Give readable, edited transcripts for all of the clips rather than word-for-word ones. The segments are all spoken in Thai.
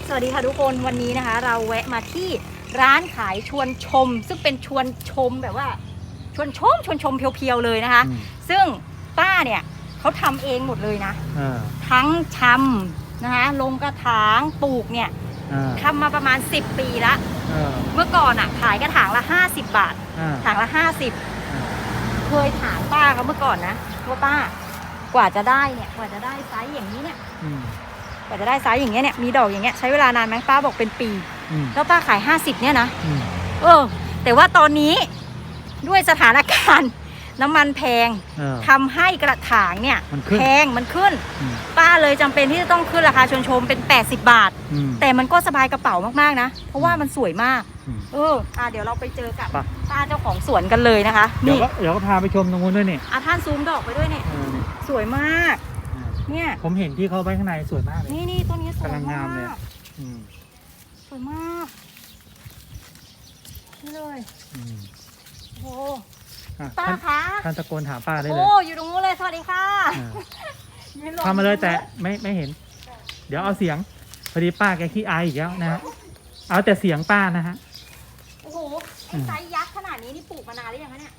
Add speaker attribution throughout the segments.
Speaker 1: สวัสดีค่ะทุกคนวันนี้นะคะเราแวะมาที่ร้านขายชวนชมซึ่งเป็นชวนชมแบบว่าชวนชมเพียวๆเลยนะคะซึ่งป้าเนี่ยเขาทำเองหมดเลยนะทั้งชำนะคะลงกระถางปลูกเนี่ยทำมาประมาณ10 ปีละเมื่อก่อนอ่ะขายกระถางละ50 บาทถางละ50เคยถามป้าเขาเมื่อก่อนนะว่าป้ากว่าจะได้เนี่ยกว่าจะได้ไซส์อย่างนี้เนี่ยกว่าจะได้ไซส์อย่างเงี้ยเนี่ยมีดอกอย่างเงี้ยใช้เวลานานไหมป้าบอกเป็นปีแล้วป้าขาย50เนี่ยนะแต่ว่าตอนนี้ด้วยสถานการณ์น้ำมันแพงทำให้กระถางเนี่ยแพงมันขึ้นป้าเลยจำเป็นที่จะต้องขึ้นราคาชวนชมเป็น80 บาทแต่มันก็สบายกระเป๋ามากๆนะเพราะว่ามันสวยมากเดี๋ยวเราไปเจอกับป้าเจ้าของสวนกันเลยนะคะ
Speaker 2: เดี๋ยวก็พาไปชมตรงนู้นด้วยเนี่ย
Speaker 1: ท่านซูมดอกไปด้วยเนี่ยสวยมากเนี่ย
Speaker 2: ผมเห็นที่เขาไว้ข้างในสวยมากเลย
Speaker 1: นี่ตัวนี้สวย
Speaker 2: กำลังงามเลย
Speaker 1: สวยมากนี่เลยโอ้ป้าคะ
Speaker 2: ท่านตะโกนถามป้าได้เลย
Speaker 1: อยู่ตรงนู้นเลยสวัสดีค่ะ
Speaker 2: ทำมาเลยแต่ไม่เห็นเดี๋ยวเอาเสียงพอดีป้าแกขี้อายอีกแล้วนะฮะเอาแต่เสียงป้านะฮะ
Speaker 1: โอ้โหไอ้ไซส์ยักษ์ขนาดนี้นี่ปลูกมานานหรือยังคะเนี่ย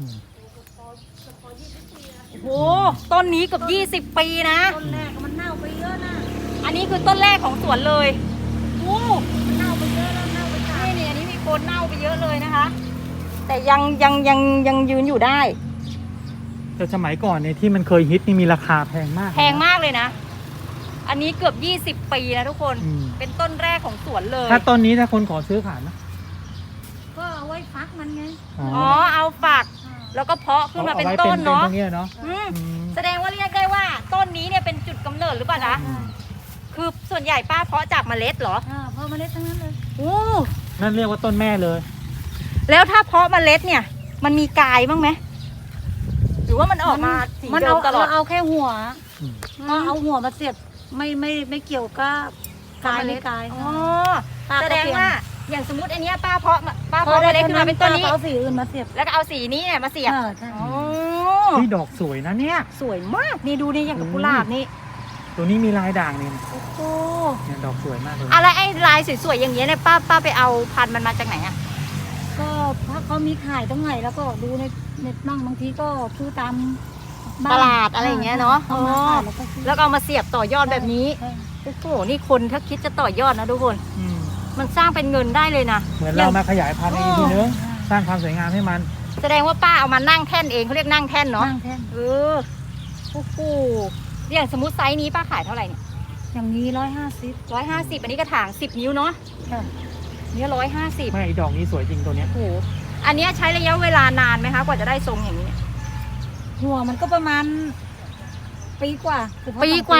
Speaker 1: โอ้โหต้นนี้เกือบ20 ปีนะ
Speaker 3: ต้นแรกมันเน่าไปเยอะนะ
Speaker 1: อันนี้คือต้นแรกของสวนเลยโอ้
Speaker 3: มันเน่าไปเยอะแล้วเน่าไปตาย
Speaker 1: นี่อันนี้มีโคนเน่าไปเยอะเลยนะคะแต่ยังยืนอยู่ได้
Speaker 2: แต่สมัยก่อนเนี่ยที่มันเคยฮิตนี่มีราคาแพงมาก
Speaker 1: เลยนะอันนี้เกือบ20 ปีนะทุกคนเป็นต้นแรกของสวนเลย
Speaker 2: ถ้าต้นนี้ถ้าคนขอซื้อขายนะ
Speaker 3: ก็เอาไว้ฟักมันไง
Speaker 1: เอาฝักแล้วก็เพาะขึ้นมาเป็นต้นเนาะแสดงว่าเรียกได้ว่าต้นนี้เนี่ยเป็นจุดกำเนิดหรือเปล่านะคือส่วนใหญ่ป้าเพาะจากเมล็ดเหรอ
Speaker 3: เพาะเมล็ดทั้งนั้นเลย
Speaker 2: นั่นเรียกว่าต้นแม่เลย
Speaker 1: แล้วถ้าเพาะเมล็ดเนี่ยมันมีกายบ้างไหมหรือว่ามันออกมาสีเดิมตลอด
Speaker 3: เอาแค่หัวเอาหัวมาเสียบไม่เกี่ยวกับกายไม่กาย
Speaker 1: แสดงว่าอย่างสมมติอันนี้ป้าเพาะเมล็ดขึ้นมาเป็นต้นนี้
Speaker 3: เอาสีอื่นมาเสียบ
Speaker 1: แล้วก็เอาสีนี้เนี่ยมาเสียบ
Speaker 2: ที่ดอกสวยนะเนี่ย
Speaker 1: สวยมากนี่ดูนี่อย่างกับกุหลาบนี่
Speaker 2: ตัวนี้มีลายด่างนี่
Speaker 1: โอ้โห
Speaker 2: เนี่ยดอกสวยมากเลย
Speaker 1: อะไรไอ้ลายสวยๆอย่างเงี้ยเนี่ยป้าไปเอาพันธุ์มันมาจากไหนอ่ะ
Speaker 3: ก็ถ้าเขามีขายตรงไหนแล้วก็ดูในเน็ตบ้างบางทีก็ซื้อตาม
Speaker 1: ตลาดอะไรอย่างเงี้ยเนาะแล้วก็เอามาเสียบต่อยอดแบบนี้โอ้โหนี่คนถ้าคิดจะต่อยอดนะทุกคนมันสร้างเป็นเงินได้เลยนะ
Speaker 2: เหมือนเรามาขยายพันธุ์อีกทีนึงสร้างความสวยงามให้มัน
Speaker 1: แสดงว่าป้าเอามานั่งแท่นเองเขาเรียกนั่งแท่นเนาะ
Speaker 3: นั่งแท่น
Speaker 1: โอ้โหอย่างสมมติไซส์นี้ป้าขายเท่าไหร่เนี่ย
Speaker 3: อย่างนี้150
Speaker 1: อันนี้กระถาง10 นิ้วเนาะเนี่ย150
Speaker 2: ไม่ดอกนี้สวยจริงตัวเนี้ย
Speaker 1: โอ้โหอันนี้ใช้ระยะเวลานานไหมคะกว่าจะได้ทรงอย่างนี้
Speaker 3: หัวมันก็ประมาณปีกว่าเ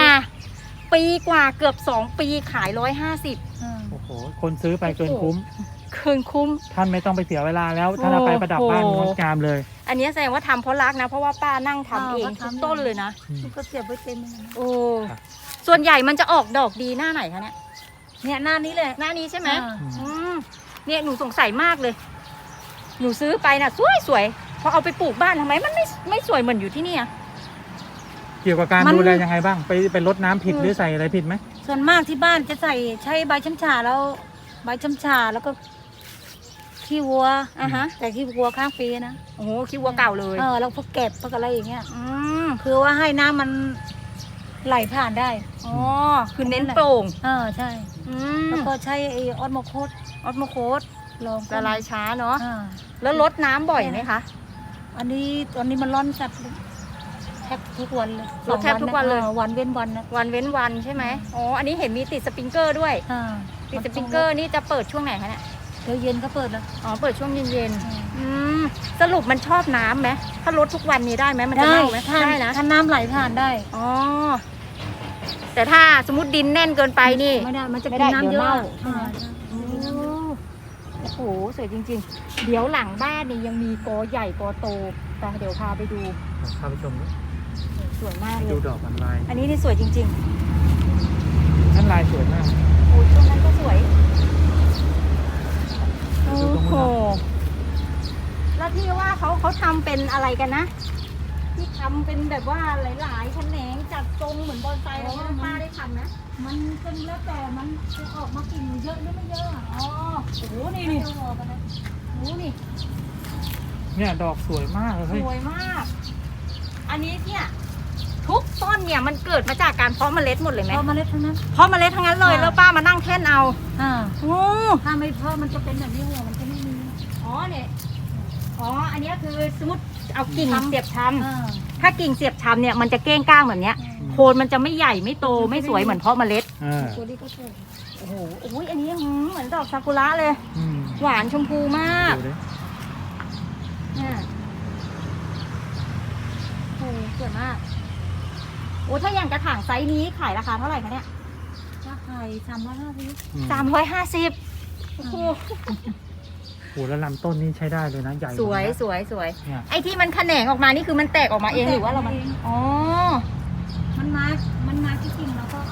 Speaker 1: กือบ2 ปีขาย150
Speaker 2: โอ้โหคนซื้อไปเกินคุ้มท่านไม่ต้องไปเสียเวลาแล้วท่านเอาไปประดับบ้านงดงามเลย
Speaker 1: อันนี้แสดงว่าทำเพราะรักนะเพราะว่าป้านั่งทำเองทุกต้นเลยนะ
Speaker 3: ก็เสียบไว้เต็ม
Speaker 1: โอ้ส่วนใหญ่มันจะออกดอกดีหน้าไหนคะ
Speaker 3: เนี่ยหน้านี้เลย
Speaker 1: หน้านี้ใช่ไหมเนี่ยหนูสงสัยมากเลยหนูซื้อไปนะสวยพอเอาไปปลูกบ้านทำไมมันไม่สวยเหมือนอยู่ที่นี่
Speaker 2: เกี่ยวกับการดูแลยังไงบ้างไปรดน้ำผิดหรือใส่อะไรผิดไหม
Speaker 3: ส่วนมากที่บ้านจะใช้ใบช้ำชาแล้วใบช้ำชาแล้วก็ขี้วัวแต่ขี้วัวข้างปีนะ
Speaker 1: โอ้โหขี้วัวเก่าเลย
Speaker 3: แล้วพวกเก็บพวกอะไรอย่างเงี้ยคือว่าให้น้ำมันไหลผ่านได้
Speaker 1: คือเน้นโปร่ง
Speaker 3: ใช่แล้วก็ใช้ไอออสโมโคส
Speaker 1: ละลายช้าเนาะแล้วลดน้ำบ่อยไหมคะ
Speaker 3: ตอนนี้มันร้อนจัดแทบทุกวันเลย
Speaker 1: แทบทุกวันเลย
Speaker 3: วันเว้นวันนะ
Speaker 1: วันเว้นวันใช่ไหมอันนี้เห็นมีติดสปริงเกอร์ด้วยติดสปริงเกอร์นี่จะเปิดช่วงไหนคะเนี่ย
Speaker 3: เดี๋ยวเย็นก็เปิดแล้ว
Speaker 1: เปิดช่วงเย็นสรุปมันชอบน้ำไหมถ้าลดทุกวันนี้ได้ไหมมันจะเน่าไหม
Speaker 3: ได้นะถ้าน้ำไหลผ่านได้
Speaker 1: แต่ถ้าสมมติดินแน่นเกินไปนี่
Speaker 3: ไม่ได้มันจะเป็นน้ำเยอะ
Speaker 1: โอ้โหสวยจริงๆเดี๋ยวหลังบ้านนี่ยังมีกอใหญ่กอโตแต่เดี๋ยวพาไปดู
Speaker 2: พาไปชม
Speaker 1: สวยมากเลย
Speaker 2: ดูดอกมันลาย
Speaker 1: อันนี้นี่สวยจริง
Speaker 2: ๆท่านลายสวยมาก
Speaker 1: โอ้ยช่วงนั้นก็สวยโอ้โหแล้วที่ว่าเขาทำเป็นอะไรกันนะที่ทำเป็นแบบว่าหลายๆแขนงจัดทรงเหมือนบอนไซแล้วป้าได้ทำนะ
Speaker 3: มันเป็นแล้วแต่มันจะออกมากิ่งเยอะหรือไม่เยอะอะ
Speaker 1: อ๋อโอ้โหนี่นี่
Speaker 3: จะบอกกันนะ
Speaker 1: โอ้โหนี่
Speaker 2: เนี่ยดอกสวยมากเลย
Speaker 1: ส
Speaker 2: เฮ้ย
Speaker 1: วยมาก อันนี้เนี่ยทุกต้นเนี่ยมันเกิดมาจากการเพาะเมล็ดหมดเลยไหม
Speaker 3: พอเมล็ดทั้งนั้น
Speaker 1: เพาะเมล็ดทั้งนั้นเลย
Speaker 3: ค่ะ
Speaker 1: แล้วป้ามานั่งแท่นเอา
Speaker 3: อ่า
Speaker 1: โอ้
Speaker 3: ถ้าไม่เพาะมันจะเป็นแบบนี้หัวมันจะไม่มี
Speaker 1: อ๋อเนี่ยอ๋ออันนี้คือสมมติเอากิ่ง
Speaker 3: ทำ
Speaker 1: เสียบช
Speaker 3: อ่า
Speaker 1: ำถ้ากิ่งเสียบชำเนี่ยมันจะเก้งก้างแบบเนี้ยโคนมันจะไม่ใหญ่ไม่โตไม่สวยเหมือนเพาะเมล็ด
Speaker 3: ตัวนี้ก็สวย
Speaker 1: โอ้โหโอ้ยอันนี้เหมือนดอกซากุระเลย
Speaker 2: อืม
Speaker 1: หวานชมพูมาก
Speaker 2: ดูดิ
Speaker 1: เนี่ยโอ้โหสวยมากโอ้ถ้าอย่างกระถางไซส์นี้ขายราคาเท่าไหร่คะเนี่ย
Speaker 3: ถ้าไข่350
Speaker 2: อืม
Speaker 1: 350โอ้โห
Speaker 2: โหแล้วลำต้นนี่ใช้ได้เลยนะใหญ่
Speaker 1: สวย
Speaker 2: นะ
Speaker 1: สวยสวย
Speaker 2: เนี่ย
Speaker 1: ไอ้ที่มันแขนงออกมานี่คือมันแตกออกมาเองหรือว่าเรามันอ๋อ
Speaker 3: มันมาที่กิ่งเราก็เอา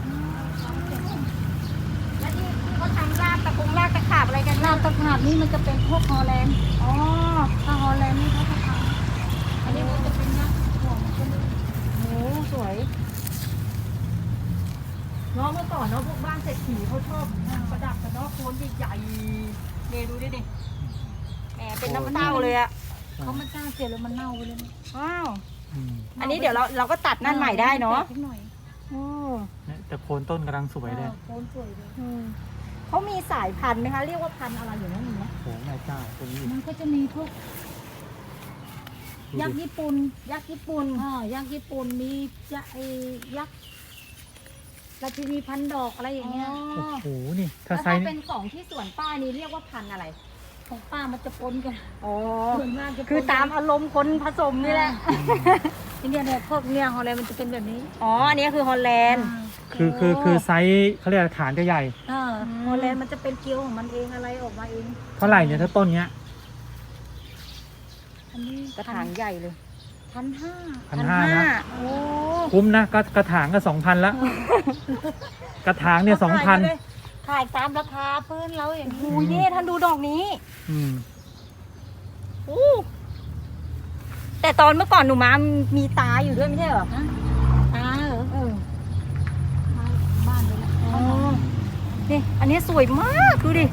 Speaker 1: แล้วที่เขาทำรากรากตะขาบอะไรกัน
Speaker 3: รากตะขาบนี่มันจะเป็นพวกฮอลแลนด์
Speaker 1: อ๋อ
Speaker 3: ถ้าฮอลแลนด์นี่เขาจะทำอันนี้มันจะเป็นยักษ์หัวมันจะมี
Speaker 1: โอ้สวยเนาะเมื่อก่อนเนาะพวกบ้านเศรษฐีเขาชอบประดับกันเนาะโคนใหญ่ๆเนี่ยดูดิดิแหมเป็นน้ำเต้าเลยอะ
Speaker 3: เขาไม่กล้าเสียแล้วมันเน่าไปเลยนะ
Speaker 1: ว้าว
Speaker 2: อืม
Speaker 1: อันนี้เดี๋ยวเราก็ตัดนั่นใหม่ได้เนาะ
Speaker 3: แตกนิดหน่อย
Speaker 1: โอ้
Speaker 2: เนี่ยแต่โคนต้นกำลังสวยเลย
Speaker 3: โคนสวยเลย
Speaker 1: เขามีสายพันธุ์ไหมคะเรียกว่าพันธุ์อะไรอยู่นั่นมีไหม
Speaker 2: โหแม่เจ้าตรงนี้
Speaker 3: มันก็จะมีพวก
Speaker 2: ดู
Speaker 3: ยักษ์
Speaker 2: ดิ
Speaker 3: ญี่ปุ่น
Speaker 1: ยักษ์ญี่ปุ่น
Speaker 3: ยักษ์ญี่ปุ่นมีจะไอยักษ์ราชินีพันดอกอะไรอย่างเงี้ย
Speaker 2: โอ้โหนี่
Speaker 1: แล้
Speaker 2: ถ้าว ไซ
Speaker 1: ถ้า
Speaker 2: ส์
Speaker 1: เป็
Speaker 2: นี่
Speaker 1: นของที่สวนป้านี่เรียกว่าพันธุ์อะไร
Speaker 3: ของป้ามันจะปนกัน
Speaker 1: อ๋อ
Speaker 3: ส่วนมากจะปน
Speaker 1: คือตามอารมณ์คนผสมนี่แหละ
Speaker 3: เนี่ยพวกเนี่ยฮอลแลนด์มันจะเป็นแบบนี้
Speaker 1: อ๋อ อันนี้คือฮอลแลนด์
Speaker 2: คือไซส์เขาเรียกอะไรฐานจะใหญ่
Speaker 3: ฮอลแลนด์มันจะเป็นเกลียวของมันเองอะไรออกมาเอง
Speaker 2: เท่าไหร่เนี่ยถ้าต้นเนี้ย
Speaker 3: อันนี้
Speaker 1: กระถางใหญ่เลย
Speaker 3: 1,500
Speaker 2: 1,500นะ
Speaker 1: โอ้
Speaker 2: คุ้มนะกระถางก็2,000ละกระถางเนี่ย2,000
Speaker 3: ขายตามราคาพื้นเราอย่าง
Speaker 1: โห
Speaker 3: นี้
Speaker 1: เย่ท่านดูดอกนี้
Speaker 2: อืม
Speaker 1: อู้แต่ตอนเมื่อก่อนหนูมามีตาอยู่ด้วยไม่ใช่เหรอ
Speaker 3: ฮะตาเหรอมาบ้านเลยแหละ
Speaker 1: อ๋อ นี่อันนี้สวยมากดูดิ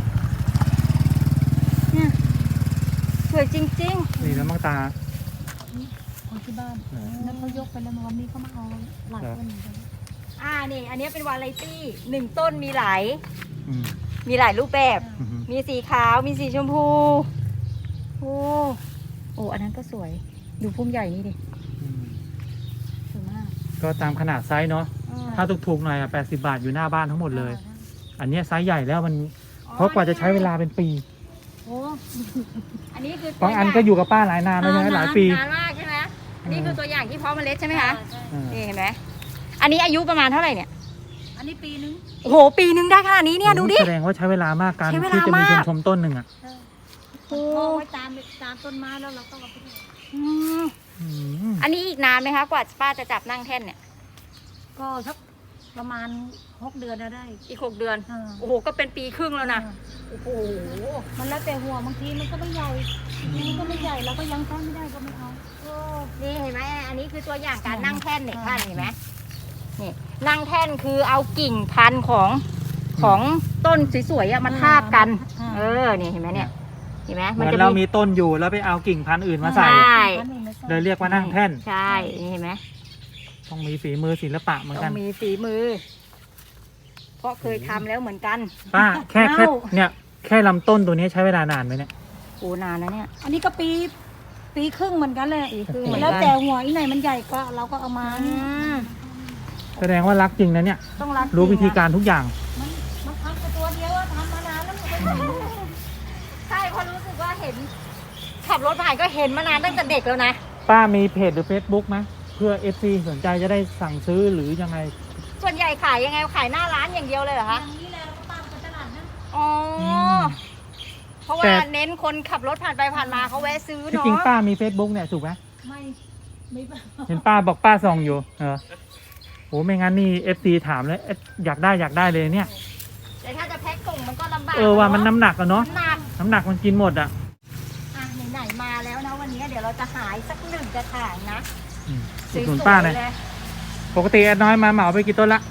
Speaker 1: เนี่ยสวยจริง
Speaker 2: นี่แล้วมังตา
Speaker 3: ของที่บ้าน
Speaker 2: เหรอ
Speaker 3: แล้วเขายกไปแล้ววันนี้เขามาเอาหลายคนเหมือนกัน
Speaker 1: นี่ อันนี้เป็นวาไรตี้หนึ่งต้นมีหลาย
Speaker 2: อืม
Speaker 1: มีหลายรูปแบบ
Speaker 2: อืม
Speaker 1: มีสีขาว มีสีชมพู โอ้ อันนั้นก็สวย ดูพุ่มใหญ่นี่ดิ
Speaker 2: อืม
Speaker 1: สวยมาก
Speaker 2: ก็ตามขนาดไซส์เนาะถ้าถูกๆหน่อยอะ80 บาทอยู่หน้าบ้านทั้งหมดเลย อันเนี้ยไซส์ใหญ่แล้วมันเพราะกว่าจะใช้เวลาเป็นปี
Speaker 3: โอ้
Speaker 1: อันนี้คือ
Speaker 2: บางอันก็อยู่กับป้าหลายนานแล้วใช่ไหมหลายปี
Speaker 1: นานมากใช่ไหมอันนี้คือตัวอย่างที่เพาะเมล็ดใช่ไหมคะ
Speaker 2: เออ
Speaker 1: นี่เห็นไหม อันนี้อายุประมาณเท่าไหร่เนี่ย
Speaker 3: อันนี้ปีนึง
Speaker 1: โอ้โห ปีนึงได้ขนาดนี้เนี่ยดูดิ
Speaker 2: แสดงว่าใช้เวลามากการ
Speaker 1: ใช้เวลา
Speaker 2: ที่จะมีช
Speaker 1: มาก
Speaker 2: มชมต้นหนึ่งอ่ะ
Speaker 3: พอไว้ตามต้นไม้แล้วเราก็เอาไปเลย
Speaker 1: อืม
Speaker 2: อืม
Speaker 1: อันนี้อีกนานไหมคะกว่าป้าจะจับนั่งแท่นเนี่ย
Speaker 3: ก็สักประมาณ6 เดือนนะได้
Speaker 1: อีก6 เดือน
Speaker 3: อ่า
Speaker 1: โอ้โห ก็เป็นปีครึ่งแล้วนะ โอ้โห
Speaker 3: มันแล้วแต่หัวบางทีมันก็ไม่ใหญ่บางทีมันก็ไม่ใหญ่เราก็ยังใช้ไม่ได้ก็ไม่เอา
Speaker 1: นี่เห็นไหมอันนี้คือตัวอย่างการนั่งแท่นเนี่ย
Speaker 3: อ่า
Speaker 1: ท่านเห็นไหมนี่นั่งแท่นคือเอากิ่งพันธุ์ของต้นสวยๆอะมาทาบกัน นี่เห็นไหมเนี่ย เห็นไหม
Speaker 2: เหมือนเรามีต้นอยู่แล้วไปเอากิ่งพันธุ์อื่นมาใส่
Speaker 1: ใช่
Speaker 2: เลยเรียกว่านั่งแท่น
Speaker 1: ใช่นี่เห็นไหม
Speaker 2: ต้องมีฝีมือศิลปะเหมือน
Speaker 1: ต้
Speaker 2: กั
Speaker 1: อน งมีฝีมือ เพราะเคยทำแล้วเหมือนกัน
Speaker 2: ป้าแค่
Speaker 1: เน่า
Speaker 2: เนี่ยแค่ลำต้นตัวนี้ใช้เวลานานไหมเนี่ย
Speaker 1: โอ้นานนะเนี่ย
Speaker 3: อันนี้ก็ปีครึ่งเหมือนกันเลย
Speaker 1: ปีครึ่งเหมือนกัน
Speaker 3: แล้วแต่หัวอีไหนมันใหญ่ก็เราก็เอามา
Speaker 2: แสดงว่ารักจริงนะเนี่ย
Speaker 1: ต้องรัก
Speaker 2: รู้วิธี
Speaker 1: จงนะ
Speaker 2: การทุกอย่าง
Speaker 3: มันทำแค่ตัวเดียวอะทำมานานแล้วมันก็ไม่รู้
Speaker 1: ใช่เพราะรู้สึกว่าเห็นขับรถผ่านก็เห็นมานานตั้งแต่เด็กแล้วนะ
Speaker 2: ป้ามีเพจหรือ Facebook ไหมเพื่อ FC สนใจจะได้สั่งซื้อหรือยังไง
Speaker 1: ส่วนใหญ่ขายยังไงขายหน้าร้านอย่างเดียวเลยเหรอ
Speaker 3: อ
Speaker 1: คะ
Speaker 3: ย่างนี้แหละเราก็ตามไปตลาดนั้น
Speaker 1: อ๋ออ
Speaker 2: ม
Speaker 1: เพราะว่า
Speaker 2: แต่
Speaker 1: เน้นคนขับรถผ่านไปผ่านมาเขาแวะซื้อ
Speaker 2: ที่
Speaker 1: เนาะ
Speaker 2: จริงป้ามี Facebook เนี่ยถูกไหม
Speaker 3: ไม่
Speaker 2: เห็นป้าบอกป้าส่องอยู่โหไม่งั้นนี่ FC ถามเลยอยากได้เลยเนี่ย
Speaker 1: แต่ถ้าจะแพ็คส่งมันก็ลำบาก
Speaker 2: ว่ามัน
Speaker 1: เอะ
Speaker 2: น้ำหนักอะเนาะ
Speaker 1: หนัก
Speaker 2: น้ำหนักมันกินหมดอะ
Speaker 1: อ่ะไหนๆมาแล้วนะวันนี้เดี๋ยวเราจะหายสักหนึ่งกระถางนะ
Speaker 2: อืม
Speaker 1: ส
Speaker 2: อุ
Speaker 1: วย
Speaker 2: ดหนุน
Speaker 1: ๆ
Speaker 2: ป้าหน่อย
Speaker 1: เลย
Speaker 2: ปกติแอดน้อยมาเหมาไปกี่ต้นละ
Speaker 1: โอ้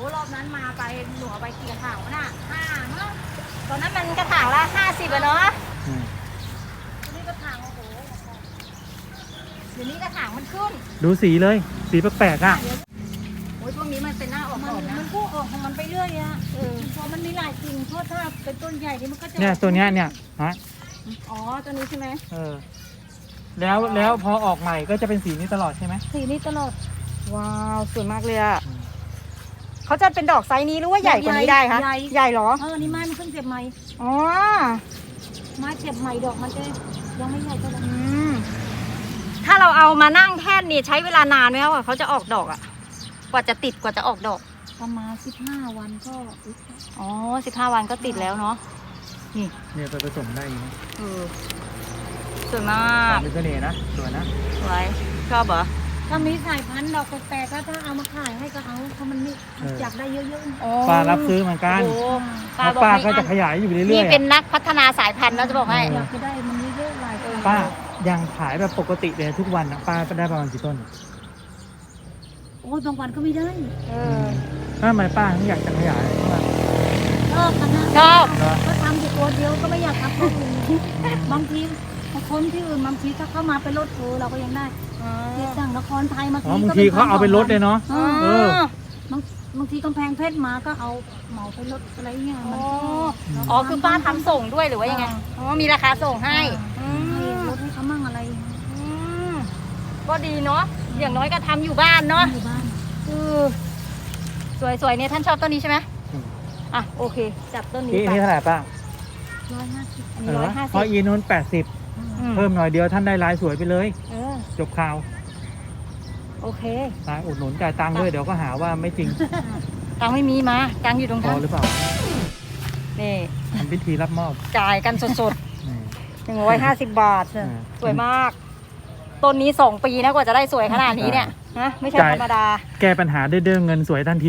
Speaker 1: รอบนั้นมาไปหนูเอาไปกี่กระถางวะน่ะ5มั้งตอนนั้นมันกระถางละ50อะเนาะ
Speaker 2: อืม
Speaker 3: นี่ก็ทางโอ้โห
Speaker 1: เดี๋ยวนี้กระถางมันขึ้น
Speaker 2: ดูสีเลยสีแปลกๆอ่ะ
Speaker 1: โอ้ยช่วงนี้มันเป็นหน้าออก
Speaker 3: มั
Speaker 1: ดอกนะ
Speaker 3: นพุ่งออกของมันไปเรื่อยอะพอมันมีหลายกิ่งเพราะถ้าเป็นต้นใหญ่นี่มันก็จะ
Speaker 2: เนี่ยตัวเนี้ยเนี่ยฮะ
Speaker 1: อ๋อตัวนี้ใช่ไหม
Speaker 2: แล้วพอออกใหม่ก็จะเป็นสีนี้ตลอดใช่ไหม
Speaker 3: สีนี้ตลอด
Speaker 1: ว้าวสวยมากเลยอะเขาจะเป็นดอกไซส์นี้หรือว่าใหญ่กว่านี้ได้คะใหญ่เหรอ
Speaker 3: นี่ไม้มันเพิ่งเสียบใหม่
Speaker 1: อ๋อ
Speaker 3: ไม้เสียบใหม่ดอกมันจะยังไม่ใหญ่เท่าไหร่
Speaker 1: ถ้าเราเอามานั่งแท่นนี่ใช้เวลานานไหมว่าเขาจะออกดอกอะกว่าจะติดกว่าจะออกดอก
Speaker 3: ประมาณ15 วันก็
Speaker 1: อ๋อ15 วันก็ติดแล้วเนาะ
Speaker 2: เนี่ยไปผสมได้อยู่นะ
Speaker 1: สวยมาก
Speaker 2: เป็นเสน่ห์นะสวยนะ
Speaker 1: สวยชอบเหรอ
Speaker 3: ถ้ามีสายพันธุ์ดอกแปลกๆก็ถ้าเอามาขายให้ก็เอาเพราะมันนี่อยากได้เยอะๆ
Speaker 2: ป้ารับซื้อเหมือนกัน
Speaker 1: โอ้โห
Speaker 2: แล้วป้าก็จะขยายอยู่เรื่
Speaker 1: นี่
Speaker 2: อยๆ
Speaker 1: เป็น
Speaker 2: อะ
Speaker 1: นักพัฒนาสายพันธุ์นะจะบอกให้
Speaker 3: อยากจะได้มันเยอะๆหลายคน
Speaker 2: ป้ายังขายแบบปกติเลยทุกวันนะป้าได้ประมาณกี่ต้น
Speaker 3: โอ้ยบางวันก็ไม่ได้
Speaker 2: ทำไมป้าถึงอยากจะขยาย
Speaker 3: ชอบขนาด
Speaker 1: ชอบ
Speaker 3: ก็ทำอยู่ตัวเดียวก็ไม่อยากทำตัวอื่นบางทีคนที่อื่นบางทีถ้าเข้ามาเป็นรถทัวร์เราก็ยังได้ที่สั่งนครไทยมา
Speaker 2: อ๋อบางทีเขาเอาไปลดเลยเนาะ เออ
Speaker 3: บางทีกำแพงเพชรมาก็เอาเหมาไปรถอะไรเงี้ยมัน
Speaker 1: อ๋อคือป้าทำส่งด้วยหรือว่ายังไงอ๋อมีราคาส่งให้
Speaker 3: ให้รถให้เขามั่งอะไร
Speaker 1: ก็ดีเนาะอย่างน้อยก็ทำอยู่บ้านเนาะ
Speaker 3: อยู่บ้าน
Speaker 1: สวยๆเนี่ยท่านชอบต้นนี้ใช่ไหม
Speaker 2: อืม
Speaker 1: อ่ะโอเคจับต้นนี้
Speaker 2: นี่
Speaker 1: ไป
Speaker 2: นี่เท่าไหร่ป้า
Speaker 3: 150
Speaker 1: อันนี้150
Speaker 2: เพราะอีนู้น80 เพิ่มหน่อยเดียวท่านได้ลายสวยไปเลย จบข่าว
Speaker 1: โอเค
Speaker 2: ลายอุดหนุนจ่ายตังค์ด้วยเดี๋ยวก็หาว่าไม่จริง
Speaker 1: ตังค์ไม่มีมาตังค์อยู่ตรง
Speaker 2: พ
Speaker 1: นั้
Speaker 2: อน หรือเปล่า
Speaker 1: นี่
Speaker 2: ทำพิธีรับมอบ
Speaker 1: จ่ายกันสด
Speaker 2: นี่
Speaker 1: ๆ150 บาท สวยมาก ต้นนี้2 ปีนะกว่าจะได้สวยขนาดนี้เนี่ยนะไม่ใช่ธรรมดา
Speaker 2: แก้ปัญหาด้วยเรื่องเงินสวยทันที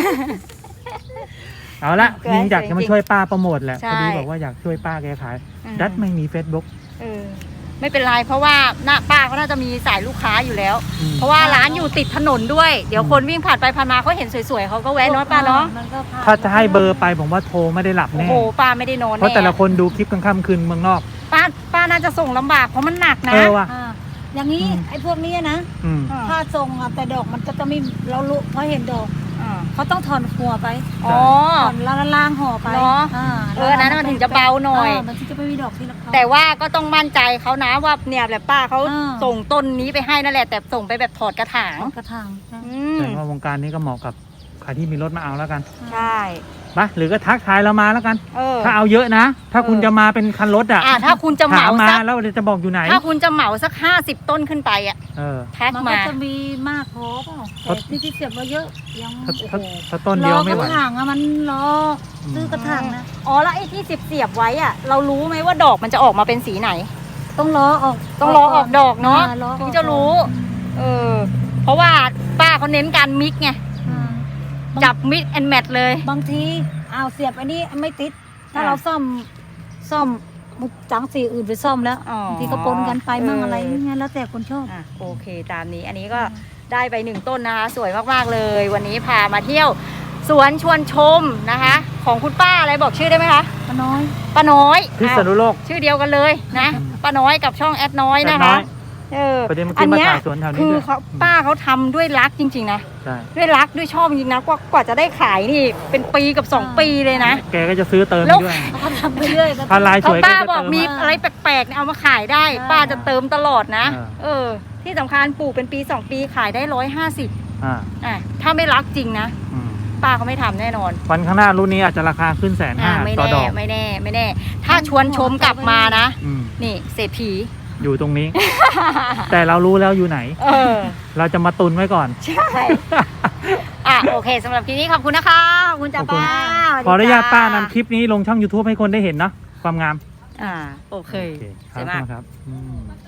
Speaker 2: เอาละ
Speaker 1: สวย
Speaker 2: ยิงอยากจะมาช่วยป้าโปรโมทแหละ
Speaker 1: ใช่
Speaker 2: พอดีบอกว่าอยากช่วยป้าแกขาย ดัดไม่มี Facebook
Speaker 1: ไม่เป็นไรเพราะว่าหน้าป้าเขาน่าจะมีสายลูกค้าอยู่แล้ว
Speaker 2: อืม
Speaker 1: เพราะว่าร้านอยู่ติดถนนด้วย เดี๋ยวคนวิ่งผ่านไปผ่านมาเขาเห็นสวยๆเขาก็แวะเนาะป้าเนาะ
Speaker 3: มันก็ผ่น
Speaker 2: ถ้าจะให้เบอร์ไปผมว่าโทรไม่ได้หลับ
Speaker 1: โอ้
Speaker 2: แน่
Speaker 1: โหป้าไม่ได้นอน
Speaker 2: เพราะ
Speaker 1: แน่
Speaker 2: แต่ละคนดูคลิปกลางค่ำคืนเมืองนอก
Speaker 1: ป้าน่าจะส่งลำบากเพราะมันหนักนะ
Speaker 2: ว่ะ
Speaker 3: อย่างนี้
Speaker 2: อืม
Speaker 3: ไอ้พวกนี้นะ
Speaker 2: อืม
Speaker 3: ถ้าทรงอะแต่ดอกมันก็จะไม่เรารู้เพราะเห็นดอกเขาต้องถอนหัวไป
Speaker 1: อ๋อ
Speaker 3: ถอนล่างห่อไป
Speaker 1: เนอะ อันนั้นมันถึงจะเบาหน่อย
Speaker 3: มันถึงจะไม่มีดอกที่ละเขา
Speaker 1: แต่ว่าก็ต้องมั่นใจเขานะว่าเนี่ยแบบป้าเขา
Speaker 3: อ่า
Speaker 1: ส่งต้นนี้ไปให้นั่นแหละแต่ส่งไปแบบถอดกระถาง
Speaker 3: กระถาง
Speaker 1: อืม
Speaker 2: แต่ว่าวงการนี้ก็เหมาะกับใครที่มีรถมาเอาแล้วกัน
Speaker 1: ใช่
Speaker 2: ไปหรือก็ทักทายเรามาแล้วกัน
Speaker 1: เออ
Speaker 2: ถ้าเอาเยอะนะ ถ้าคุณจะมาเป็นคันรถอ่ะ
Speaker 1: ถ้าคุณจะเห
Speaker 2: ถาม
Speaker 1: มา
Speaker 2: มา
Speaker 1: สัก
Speaker 2: แล้วเดี๋ยวจะบอกอยู่ไหน
Speaker 1: ถ้าคุณจะเหมาสัก50 ต้นขึ้นไปอ่ะ
Speaker 2: เออ
Speaker 1: ทัก
Speaker 3: มันก็
Speaker 1: มา
Speaker 3: จะมีมากพอเปล่า
Speaker 2: ครั
Speaker 3: แต่
Speaker 2: บ
Speaker 3: ที่เสียบมาเยอะยัง
Speaker 2: ถ้าต้นเดียวไม่ไหว
Speaker 3: รอกระถางอะมันรอซื้อกระถางนะ
Speaker 1: อ๋อแล้วไอ้ที่เสียบไว้อ่ะ เรารู้ไหมว่าดอกมันจะออกมาเป็นสีไหน
Speaker 3: ต้องรอออก
Speaker 1: ต้องรอออกดอกเนาะ
Speaker 3: รอออก
Speaker 1: ถึงจะรู้ เพราะว่าป้าเขาเน้นการมิกไง
Speaker 3: อ่า
Speaker 1: จับมิกแอนแมทเลย
Speaker 3: บางทีเอาเสียบอันนี้ไม่ติด ถ้า
Speaker 1: อ่า
Speaker 3: เราซ่อมจังสีอื่นไปซ่อมแล้ว
Speaker 1: อ๋อบ
Speaker 3: างทีก็ปนกันไปมั่งอะไรอย่างเงี้ยแล้วแต่คนชอบ
Speaker 1: โอเคตามนี้อันนี้ก็ได้ไป1 ต้นนะคะ สวยมากๆเลย วันนี้พามาเที่ยว สวนชวนชมนะคะ ของคุณป้าอะไรบอกชื่อได้ไหมคะ
Speaker 3: ป้าน้อย
Speaker 1: ป้าน้อย
Speaker 2: พิษณุโลก
Speaker 1: ชื่อเดียวกันเลยนะ ป้าน้อยกับช่องแอดน้อยนะคะ
Speaker 2: ประเด็นเมื่อกี้มาถ่ายสวนแถวนี้
Speaker 1: คือ
Speaker 2: ด้วย
Speaker 1: เขาป้าเขาทำด้วยรักจริงๆนะ
Speaker 2: ใช่
Speaker 1: ด้วยรักด้วยชอบจริงๆนะกว่าจะได้ขายนี่เป็นปีกับ2 ปีเลยนะ
Speaker 2: แกก็จะซื้อเติม
Speaker 1: แล้ว
Speaker 2: ด้วย
Speaker 3: เขาทำไปเรื่อยก็
Speaker 2: ถ้าลายส
Speaker 1: เขา
Speaker 2: วย
Speaker 1: ป้า
Speaker 2: ก็จะ
Speaker 1: บอก
Speaker 2: เติม
Speaker 1: มี
Speaker 2: อะ
Speaker 1: อะไรแปลกๆเนี่ยเอามาขายได้ ป้าจะเติมตลอดนะ ที่สำคัญปลูกเป็นปี2 ปีขายได้150 ถ้าไม่รักจริงนะ
Speaker 2: อืม
Speaker 1: ป้าเขาไม่ทำแน่นอน
Speaker 2: วันข้างหน้ารุ่นนี้อาจจะราคาขึ้น150,000
Speaker 1: ไม่
Speaker 2: ต่อ
Speaker 1: แน่
Speaker 2: ดอก
Speaker 1: ไม่แน่ไม่แน่ ถ้าชวนชมกลับมานะ
Speaker 2: อืม
Speaker 1: นี่เศรษฐี
Speaker 2: อยู่ตรงนี้ แต่เรารู้แล้วอยู่ไหน เราจะมาตุนไว้ก่อน
Speaker 1: ใช่โอเคสำหรับคลิปนี้ขอบคุณนะคะ ขอบคุณจ้า
Speaker 2: ขอบคุณ
Speaker 1: ป้า
Speaker 2: ขออนุญาตป้านำคลิปนี้ลงช่อง YouTube ให้คนได้เห็นเนาะความงาม
Speaker 1: โอเค
Speaker 2: ค
Speaker 1: สวย
Speaker 2: รับ
Speaker 1: มาก
Speaker 2: ครับ